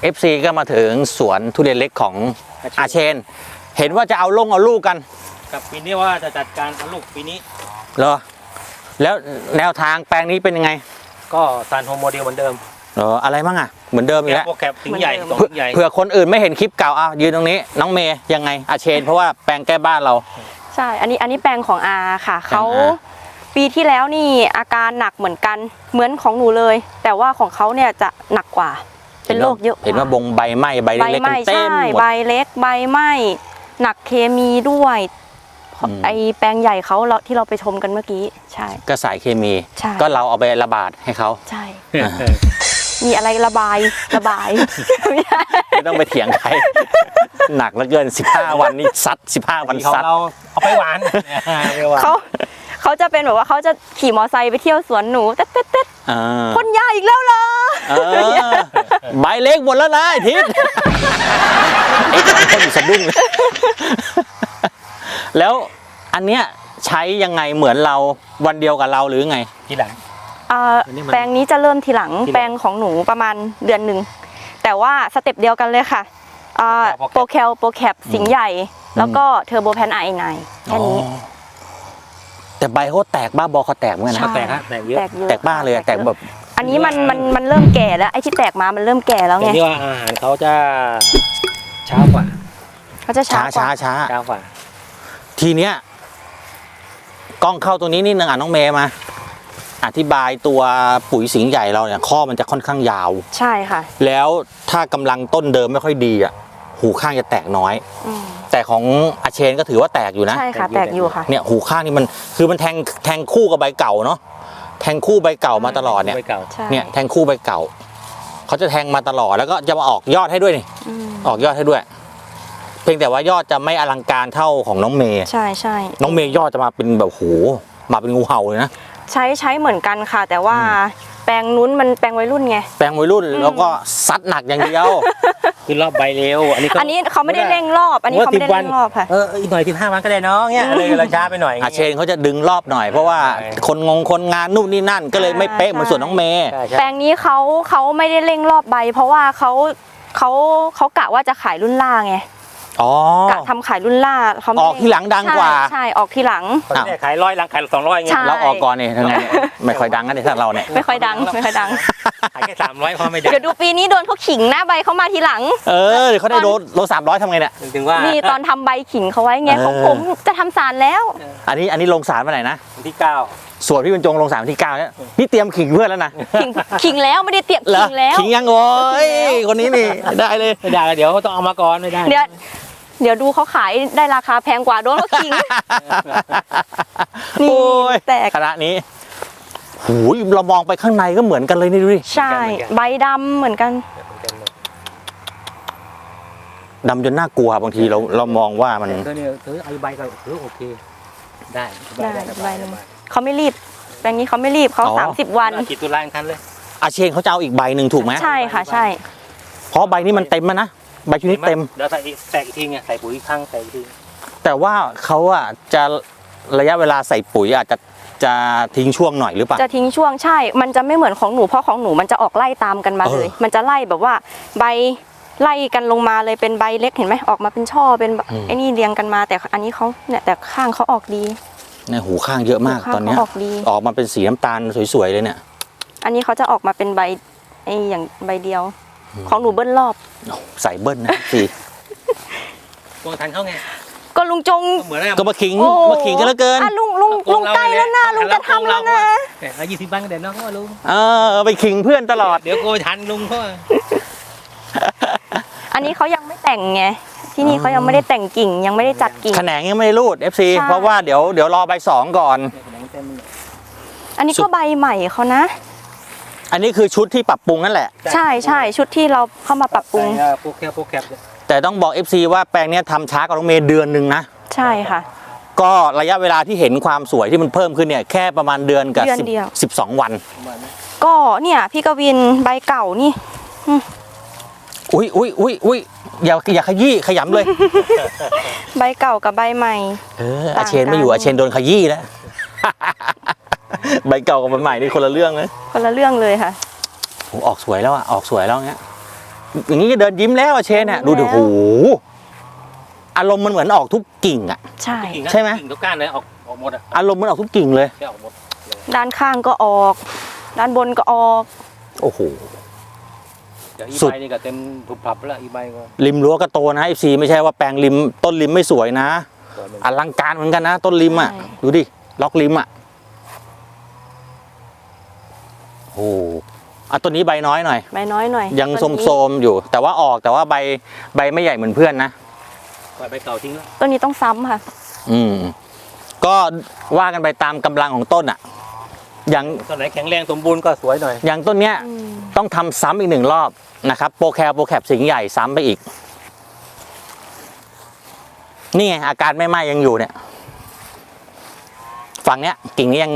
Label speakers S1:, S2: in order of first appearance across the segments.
S1: FC ก็มาถึงสวนทุเรียนเล็กของอาเชนเห็นว่าจะเอาลูกกัน
S2: กับปีนี้ว่าจะจัดการเอาลูกปีนี้
S1: เหรอแล้วแนวทางแปลงนี้เป็นยังไง
S2: ก็ซานโฮโมเดลเหมือนเดิม
S1: อะไรมั่งอ่ะเหมือนเดิมอีกแล้ว
S2: โปรแกรมถึงใหญ่
S1: เผื่อคนอื่นไม่เห็นคลิปเก่ายืนตรงนี้น้องเมย์ยังไงอาเชนเพราะว่าแปลงแก้บ้านเรา
S3: ใช่อันนี้แปลงของอาค่ะเขาปีที่แล้วนี่อาการหนักเหมือนกันเหมือนของหนูเลยแต่ว่าของเขาเนี่ยจะหนักกว่าเป็นโรคเยอะ
S1: เห็นว่าใบไหม้ใบเล็กๆเต็มหมด
S3: ใบเล็กใบไหม้หนักเคมีด้วยไอแปลงใหญ่เขาที่เราไปชมกันเมื่อกี้ใช่
S1: ก็สายเคมีก็เราเอาไประบาดให้เขา
S3: ใช่มีอะไรระบาย
S1: ไม่ต้องไปเถียงใครหนักเหลือเกิน15วันนี่ซัด15วันซัด
S2: เราเอาไปหวาน
S3: เขาจะเป็นแบบว่าเขาจะขี่มอไซค์ไปเที่ยวสวนหนูเต๊ดพ่นยาอีกแล้วเหรอ
S1: ใบเล็กหมดแล้วนะไอ้ทิศไอ้คนอยู่สะดุ้งแล้วอันเนี้ยใช้ยังไงเหมือนเราวันเดียวกับเราหรือไง
S2: ทีหลัง
S3: แปลงนี้จะเริ่มทีหลังแปลงของหนูประมาณเดือนหนึ่งแต่ว่าสเต็ปเดียวกันเลยค่ะโปรแคปสิงห์ใหญ่แล้วก็เทอร์โบแพนไอไนแค่นี้
S1: แต่ใบเขาแตกบ้าบอเขาแตกเหมือนกันนะ
S2: แตกเยอะ
S1: แตกบ้าเลยแตกแบบ
S3: อันนี้มันเริ่มแก่แล้วไอ้ที่แตกมามันเริ่มแก่แล้วไง
S2: นี่ว่าอาหารเขาจะช้ากว่า
S3: เขาจะช้
S2: ากว่า
S1: ทีเนี้ยกล้องเข้าตัวนี้นิดนึงน้องเมย์มาอธิบายตัวปุ๋ยสิงห์ใหญ่เราเนี่ยข้อมันจะค่อนข้างยาว
S3: ใช่ค่ะ
S1: แล้วถ้ากำลังต้นเดิมไม่ค่อยดีหูข้างจะแตกน้อยแต่ของอาเชนก็ถือว่าแตกอยู่นะ
S3: ใช่ค่ะแตกอยู่ค่ะ
S1: เนี่ยหูข้างนี่มันคือมันแทงคู่กับใบเก่าเนาะแทงคู่ใบเก่ามาตลอดเนี่ยแทงคู่ใบเก่าเขาจะแทงมาตลอดแล้วก็จะมาออกยอดให้ด้วยนี่ออกยอดให้ด้วยเพียงแต่ว่ายอดจะไม่อลังการเท่าของน้องเมย์
S3: ใช่
S1: น้องเมย์ยอดจะมาเป็นแบบโหมาเป็นงูเห่าเลยนะ
S3: ใช้เหมือนกันค่ะแต่ว่าแปลงนู้นมันแปลงวัยรุ่นไง
S1: แปลงวัยรุ่นแล้วก็ซัดหนักอย่างเดียว
S2: คือรอบใบเร็วอันนี้
S3: เขาไม่ได้เร่งรอบอันนี้เขาไม่ได้เร่งรอบค่ะ
S2: อีกหน่อย15 วันก็ได้เนาะเนี่ยเลยเราช้าไปหน่อย
S1: อาเชนเขาจะดึงรอบหน่อยเพราะว่าคนงานนู่นนี่นั่นก็เลยไม่เป๊ะเหมือนส่วนน้องเมย์
S3: แปลงนี้เขาไม่ได้เร่งรอบใบเพราะว่าเขากะว่าจะขายรุ่นล่าไงกะทำขายรุ่นล่าเขา
S1: ออกทีหลังดังกว่า
S3: ใช่ออกทีหลัง
S2: ขาย100หลังขาย200เงี้ย
S1: เราออกก่อนเนี่ยทั้งไงไม่ค่อยดังกันเลยถ้าเราเนี่ย
S3: ไม่ค่อยดัง
S2: ขายแค่300พอไม่ได้
S3: เดี๋ยวดูปีนี้โดนเขาขิงหน้าใบเขามาทีหลัง
S1: เดี๋ยวเขาได้โล300ทำไงเนี่ย
S2: ถึงว่า
S3: นี่ตอนทำใบขิงเขาไว้ไงของผมจะทำสารแล้ว
S1: อันนี้ลงสารวันไหนนะ
S2: วันที่9
S1: ส่วนพี่บรรจงลงสารวันที่9เนี่ยนี่เตรียมขิงเพื่อนแล้วนะ
S3: ขิงแล้วไม่ได้เตรียมขิงแล้ว
S1: ขิงยังโอ้ยคนนี้นี่ได้เลย
S2: ไม่ได้เดี๋ยวต้องเอามาก่อนไม่ได้
S3: เดี๋ยวดูเขาขายได้ราคาแพงกว่าโดนเขาขิง
S1: นี่แต่คณะนี้หูยเรามองไปข้างในก็เหมือนกันเลยนี่ดูดิ
S3: ใช่ใบดำเหมือนกัน
S1: ดำจนน่ากลัวบางทีเรามองว่ามัน
S2: ถือไอใบก็ถือโอเคได้
S3: ใบเขาไม่รีบแปลงนี้เขาไม่รีบเขา30 วัน
S2: กี่ตุลาคมเลย
S1: อาเชนเขาจะเอาอีกใบหนึ่งถูกไหม
S3: ใช่ค่ะใช่
S1: เพราะใบนี้มันเต็มนะใบชุดนี้เต็ม
S2: เดี๋ยวแตกอีกทีไงใส่ปุ๋ยข้างใส่อีกที
S1: แต่ว่าเขาจะระยะเวลาใส่ปุ๋ยอาจจะทิ้งช่วงหน่อยหรือเปล่า
S3: จะทิ้งช่วงใช่มันจะไม่เหมือนของหนูเพราะของหนูมันจะออกไล่ตามกันมาเลยมันจะไล่แบบว่าใบไล่กันลงมาเลยเป็นใบเล็กเห็นไหมออกมาเป็นช่อเป็นไอ้นี่เรียงกันมาแต่อันนี้เขาเนี่ยแต่ข้างเขาออกดี
S1: เนี่ยหูข้างเยอะมากตอนนี้ออกมาเป็นสีน้ำตาลสวยๆเลยเนี่ย
S3: อันนี้เขาจะออกมาเป็นใบไอ้อย่างใบเดียวของหนูเบิ้ลรอบ
S1: ใส่เบิ้ลนะสิ
S2: กงทันเขาไง
S3: ก็ลุงจง
S1: ก็มาขิงกันแล้วเกิน
S3: ลุงใกล้แล้วนะลุงจะทำแล้วนะ
S2: 20 วันก็เด็ดน้องเขาลุง
S1: ไปขิงเพื่อนตลอด
S2: เดี๋ยวโกทันลุงเขา
S3: อันนี้เขายังไม่แต่งไงที่นี่เขายังไม่ได้แต่งกิ่งยังไม่ได้จัดกิ่ง
S1: แขนงยังไม่ได้รูด FC เพราะว่าเดี๋ยวรอใบ2ก่อน
S3: อันนี้ก็ใบใหม่เขานะ
S1: อันนี้คือชุดที่ปรับปรุงนั่นแหละ
S3: ใช่ชุดที่เราเข้ามาปรับปรุง
S2: โปรแคป
S1: แต่ต้องบอก FC ว่าแปลงนี้ทำช้ากว่าน้องเมย์เดือนนึงนะ
S3: ใช่ค่ะ
S1: ก็ระยะเวลาที่เห็นความสวยที่มันเพิ่มขึ้นเนี่ยแค่ประมาณเดือนกับ12 วัน
S3: ก็เนี่ยพี่กวินใบเก่านี่
S1: อุ้ยอย่าขยี้ขยำเลย
S3: ใบเก่ากับใบใหม่
S1: อาเชนไม่อยู่อาเชนโดนขยี้แล้วใบเก่ากับใบใหม่นี่คนละเรื่องเลย
S3: คนละเรื่องเลยค่ะ
S1: ออกสวยแล้วออกสวยแล้วเงี้ยอย่างนี้ก็เดินยิ้มแล้วอะเชนเนี่ยดูดิโหอารมณ์มันเหมือนออกทุกกิ่งอะ
S3: ใช่
S1: ใช่ไหม
S2: กิ่งทุกก้านเลยออกหมดอ่ะ
S1: อารมณ์มันออกทุกกิ่งเลย
S2: ใช่ออกหมดเลย
S3: ด้านข้างก็ออก ด้านบนก็ออก
S1: โอ้โห
S2: เดี๋ยวอี
S1: สุด
S2: ใบนี่ก็เต็มถุบผับแล้วอีใบก็
S1: ริมรั้วก็โตนะ FC ไม่ใช่ว่าแปลงริมต้นริมไม่สวยนะ
S2: สวยเหมือน
S1: อ
S2: กัน
S1: ลังการเหมือนกันนะ ต้นริมอ่ะ
S3: ใช่
S1: ดูดิล็อกริมอ่ะโอ้อ่ะต้นนี้ใบน้อยหน่อย
S3: ใบน้อยหน่อย
S1: ยัง
S3: ต้นนี้
S1: โสมๆอยู่ แต่ว่าออกแต่ว่าใบไม่ใหญ่เหมือนเพื่อนนะ
S2: ปล่อยใบเก่าทิ้งแล้ว
S3: ต้นนี้ต้องซ้ำค่ะ
S1: อืมก็ว่ากันไปตามกำลังของต้นอ่ะ อย่าง
S2: ต้นไหนแข็งแรงสมบูรณ์ก็สวยหน่อย
S1: อย่างต้นเนี้ย
S3: อืม
S1: ต้องทำซ้ำอีก1 รอบนะครับโปรแคปสิงห์ใหญ่ซ้ำไปอีก นี่ไงอาการไม่ไหม้ยังอยู่เนี่ย ฝั่งเนี้ยกิ่งนี้ยัง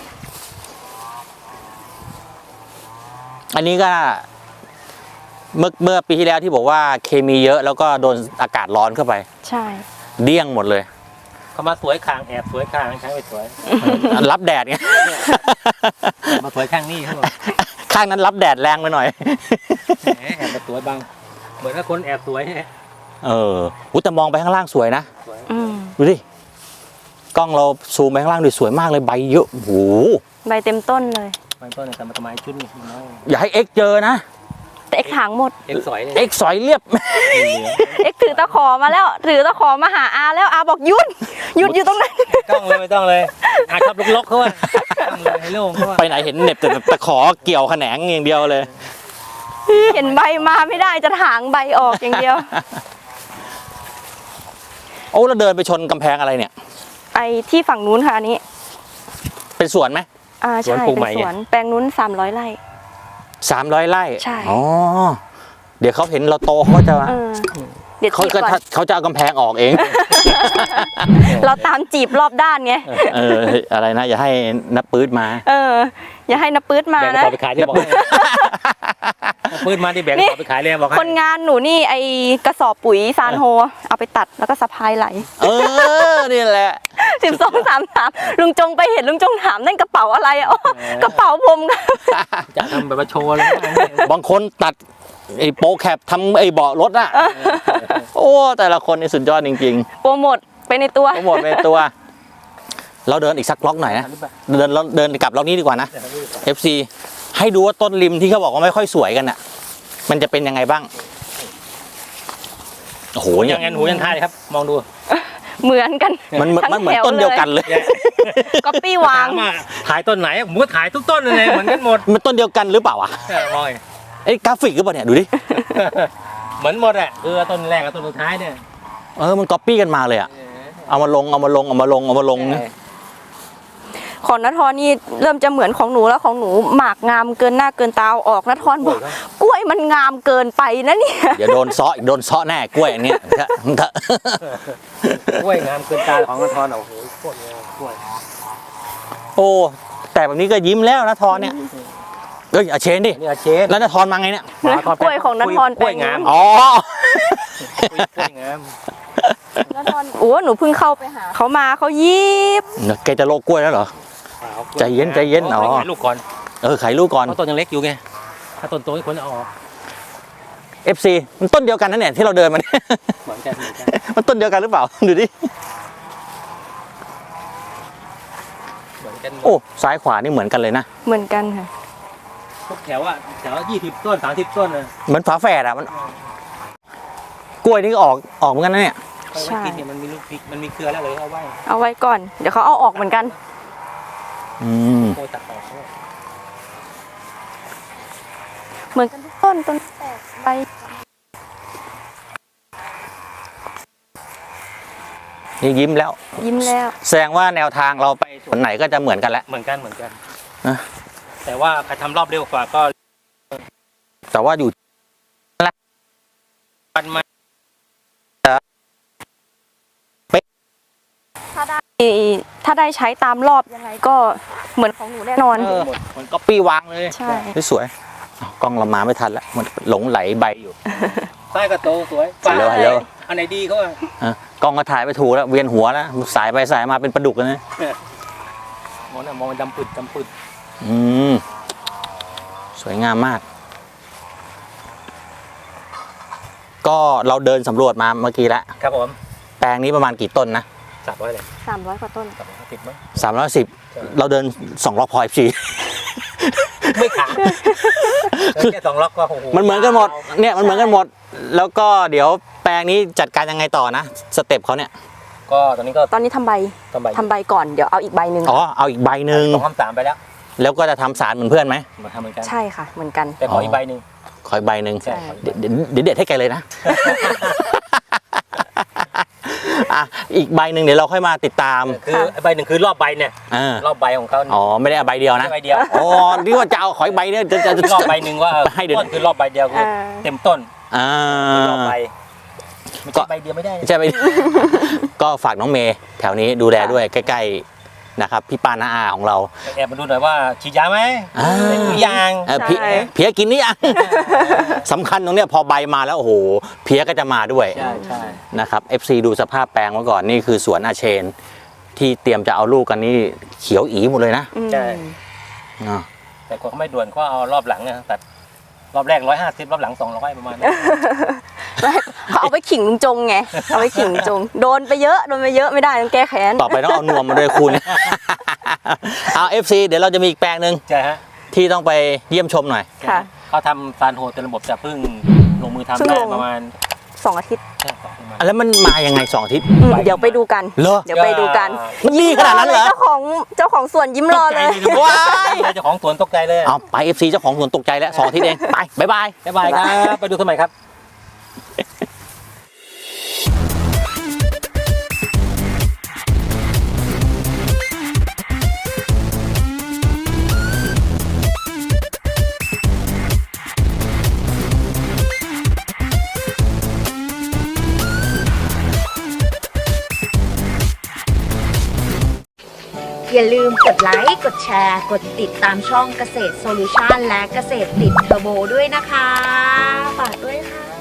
S1: อันนี้ก็เมื่อปีที่แล้วที่บอกว่าเคมีเยอะแล้วก็โดนอากาศร้อนเข้าไป
S3: ใช่
S1: เดี้ยงหมดเลย
S2: เขามาสวยข้างแอบสวยข้างใช้ไปสวย
S1: รับแดดไง
S2: มาสวยข้างนี้เขาบอก
S1: ข้างนั้นรับแดดแรงไปหน่อย
S2: แหมแอบมาสวยบางเหมือนกับคนแอบสวยเนี่ย
S1: เอออุ๊ยแต่มองไปข้างล่างสวยนะ
S2: สวย
S3: อืม
S1: ดูดิ กล้องเราซูมไปข้างล่างดูสวยมากเลยใบเยอะโอ้โห
S3: ใบเต็มต้นเลย
S2: บางต้นเนี่ยแต่มาทำไมชุดนี่น้อย
S1: อย่าให้เอ็กเจอนะ
S3: แต่เอ็กถางหมด
S2: เอ็กสวยเลย
S1: เอ็กสอยเรียบ
S3: เอ็กถือตะขอมาแล้ว ถือตะขอมาหาอาแล้วอาบอกหยุดอยู่ตรงนั้น
S2: ไม่ต้องเลยอาชอบลกๆเขาว่าต้องเลยให้โล่งเขาว่า
S1: ไปไหนเห็นเหน็บแต่ตะขอเกี่ยวแขนงอย่างเดียวเลย
S3: เห็นใบมาไม่ได้จะถางใบออกอย่างเดียว
S1: โอ้เราเดินไปชนกำแพงอะไรเนี่ย
S3: ไอ้ที่ฝั่งนู้นค่ะอันนี้
S1: เป็นสวนไหม
S3: ใช่เป็นสวนแปลงนู้น300 ไร่
S1: 300 ไร่
S3: ใช่
S1: อ๋อเดี๋ยวเขาเห็นเราโตเขาจะ
S3: เดี๋ยว
S1: เขา
S3: จีบ
S1: ก็
S3: ก่อน
S1: เขาจะเอากำแพงออกเอง
S3: เราตามจีบรอบด้านไง
S1: เอออะไรนะ อย่าให้นับปื๊ดมา
S3: อย่าให้นับปื๊ดมา
S2: แบ่งกระ
S3: นะ
S2: สอบไปขายที่บอกให้ปืนมาที่แบ่งกระสอบไปขายเลยบอกให้
S3: คนงานหนูนี่ไอกระสอบปุ๋ยซานโฮเอาไปตัดแล้วก็สะพายไหล
S1: เออนี่แหละ
S3: 12 33ลุงจงไปเห็นลุงจงถามนั่นกระเป๋าอะไรอ๋อกระเป๋าผมค่ะ
S2: จะทำแบบว่าโชว์เลย
S1: บางคนตัดไอ้โปรแคปทำไอ้เบาะรถอะโอ้แต่ละคนนี่สุดยอดจริง
S3: โปรโมทไปในตัว
S1: ๆทั้งหมดเป็นตัว เราเดินอีกสักล็อกหน่อยนะเดินกลับล็อกนี้ดีกว่านะ FC ให้ดูว่าต้นริมที่เขาบอกว่าไม่ค่อยสวยกันอะมันจะเป็นยังไงบ้างโอ้โห
S2: หู
S1: เนี่
S2: ยั
S1: ย
S2: งไงหูยังท่าเลยครับ มองดู
S3: เหมือนกัน
S1: มันเหมือน
S3: ทั้งแถว
S1: ต้นเดียวกันเลย
S3: ก๊อปปี้วาง
S2: ถามว่าถ่ายต้นไหนผมก็ถ่ายทุกต้นเลยเหมือนกันหมด
S1: มันต้นเดียวกันหรือเปล่าวะ
S2: มองไง
S1: ไอ้กราฟิกหรือเปล่าเนี่ยดูดิ
S2: เหมือนหมดอ่ะต้นแรกกับต้นสุดท้ายเนี่ย
S1: มันก๊อปปี้กันมาเลยอะเอามาลงนะ
S3: ของนัททอนนี่เริ่มจะเหมือนของหนูแล้วของหนูหมากงามเกินหน้าเกินตาเอาออกนัททอนบอกกล้วยมันงามเกินไปนะเนี่ย
S1: เดี๋ยวโดนซ้ออีกโดนซ้อแน่กล้วยอันเนี้ย
S2: กล้วยงามเกินตาของกระทอนโอ้โหโคตรงามกล้วย
S1: โอ้แต่แบบนี้ก็ยิ้มแล้วนะทอนเนี่ยเอ้ยอาเชนดิ
S2: นี่อาเชน
S1: แล้วนะทอนมาไงเนี่ย
S3: กล้วยของนัททอน
S2: กล้วยงาม
S1: อ๋อ
S2: กล้วยงาม
S3: นัททอนโอ้หนูเพิ่งเข้าไปหาเขามาเขายิบ
S1: แกจะโลกกล้วยแล้วเหรอ ใจเย็นอ๋อ
S2: ลูกก่อน
S1: ไขลูกก่อน
S2: เพราะต้นยังเล็กอยู่ไงถ้าต้นโตควรจะเอาออก
S1: FC มันต้นเดียวกันนั่นเนี่ยที่เราเดินมาเนี่ย
S2: เหมือนกัน
S1: มันต้นเดียวกันหรือเปล่าดูดิ
S2: เหมือนกัน
S1: โอ้ซ้ายขวานี่เหมือนกันเลยนะ
S3: เหมือนกันค่ะ
S2: ทุกแถวแถว20 ต้น 30 ต้นเลย
S1: เหมือนฝาแฝดอะมันกล้วยนี่ก็ออกเหมือนกันนะเนี่ย
S3: ใช่
S2: กินเนี่ยมันมีลูกพริกมันมีเครือแล้วเลยเอาไว้
S3: เอาไว้ก่อนเดี๋ยวเขาเอาออกเหมือนกัน
S1: อืม
S2: โคตัดออก
S3: เหมือนกันทุกต้นแตกใบ
S1: นี่ยิ้มแล้ว
S3: ยิ้มแล้ว
S1: แสดงว่าแนวทางเราไปส่วนไหนก็จะเหมือนกันแล้ว
S2: เหมือนกัน
S1: นะ
S2: แต่ว่าใครทำรอบเร็วกว่าก็
S1: แต่ว่าอยู่
S2: ปันมา
S3: ถ้าได้ใช้ตามรอบยังไงก็เหมือนของหนูแน่นอน
S1: มันก็ปี้วางเลย
S3: ใช่
S1: สวยอ้าวกล้องเรามาไม่ทันแล้วมันหลงไหลใบอยู่
S2: ใต้ก็โตสวย
S1: ฮัลโหลฮัลโหล
S2: อันไหนดีเขาอ่ะ
S1: กล้องก็ถ่ายไปถูกแล้วเวียนหัวแล้วสายไปสายมาเป็นปลาดุกเลยนะ
S2: มองดำปึด
S1: อืมสวยงามมากก็เราเดินสำรวจมาเมื่อกี้แล้ว
S2: ครับผม
S1: แปลงนี้ประมาณกี่ต้นนะ
S2: 300เลย
S3: 300 กว่าต้น
S2: 350มั้ง
S1: 310เราเดิน2 รอบพอ FC
S2: ไม่ขาดแค่2 ล็อกก็โอ้โห
S1: มันเหมือนกันหมดเนี่ยมันเหมือนกันหมด แล้วก็เดี๋ยวแปลงนี้จัดการยังไงต่อนะสเต็ปเขาเนี่ย
S2: ก็ตอนนี้ก็
S3: ตอนนี้ทำใบ
S2: ทำใบ
S3: ก่อนเดี๋ยวเอาอีกใบหนึ่ง
S1: อ๋อเอาอีกใบหนึ่ง
S2: 2 3ไปแล้ว
S1: แล้วก็จะทำสารเหมือนเพื่อนไหม
S2: มาทำเหมือนกัน
S3: ใช่ค่ะ เหมือนกัน
S2: แต่ขออีกใบหนึ่ง
S1: ขออีกใบหนึ่ง
S2: ใช่
S1: เดี๋ยวเด็ดให้แกเลยนะ อ่ะอีกใบหนึ่งเดี๋ยวเราค่อยมาติดตาม
S2: คือใบหนึ่งคือรอบใบเนี่ย รอบใบของเขา
S1: อ๋อไม่ได้เอาใบเดียวนะ
S2: ใบเดียว
S1: อ๋อนี่ว่าจะเอาขออีกใบเนี่ยจะ
S2: รอบใบหนึ่งว่า
S1: ให้เดี๋ยว
S2: ต้นคือรอบใบเดียวคือเต็มต้น
S1: อ่าร
S2: อบใบไม่ใช่ใบเดียวไม่ได้
S1: ใช่ไหม ก็ฝากน้องเมย์แถวนี้ดูแลด้วยใกล้ๆนะครับพี่ป้าน้าอาของเรา
S2: แอบมาดูหน่อยว่าฉีดยาไหม
S1: อ่า
S2: เป็นหรือยัง
S1: เพี้ยกินนี่ยัง สำคัญตรงเนี้ยพอใบมาแล้วโอ้โหเพี้ยก็จะมาด้วย
S2: ใช่ใช่
S1: นะครับ FC ดูสภาพแปลงไว้ก่อนนี่คือสวนอาเชน ที่เตรียมจะเอาลูกกันนี่เขียวอีหมดเลยนะ
S2: ใช่
S1: อ่า
S2: แต่คนเขาไม่ด่วนก็เอารอบหลังเนี่ยตัดรอบแรก150รอบหลัง200ประมาณนี้
S3: เขาเอาไปขิงลุงจงไง เอาไปขิงลุงจง โดนไปเยอะไม่ได้ต้องแก้แค้น
S1: ต่อไปต้องเอานวมมาด้วยคุณ เอา FC เดี๋ยวเราจะมีอีกแปลงหนึ่ง
S2: ใช่ฮะ
S1: ที่ต้องไปเยี่ยมชมหน่อย
S3: ค่ะ
S2: เขาทำซานโฮเต็มระบบจะเพิ่งลงมือทำ
S3: เพิ่ง
S2: ได้
S3: ลง
S2: ประมาณ
S3: 2 อาทิตย์
S2: ใช่2ประมาณ
S1: แล้วมันมายังไง2 อาทิตย์
S3: เดี๋ยวไปดูกัน
S1: เหรอ
S3: เดี๋ยวไปดูกัน
S1: มันรีขนาดนั้นเหรอ
S3: เจ้าของสวนยิ้มรอเลย
S1: ว้าย
S2: เจ้าของสวนตกใจเลย
S1: เอาไป FC เจ้าของสวนตกใจแล้ว2 อาทิตย์เองไปบ๊ายบาย
S2: บ๊ายบายครับ ไปดูสมัยครับ
S4: อย่าลืมกดไลค์ กดแชร์ กดติดตามช่องเกษตรโซลูชันและเกษตรติดเทอร์โบด้วยนะคะ ฝากด้วยค่ะ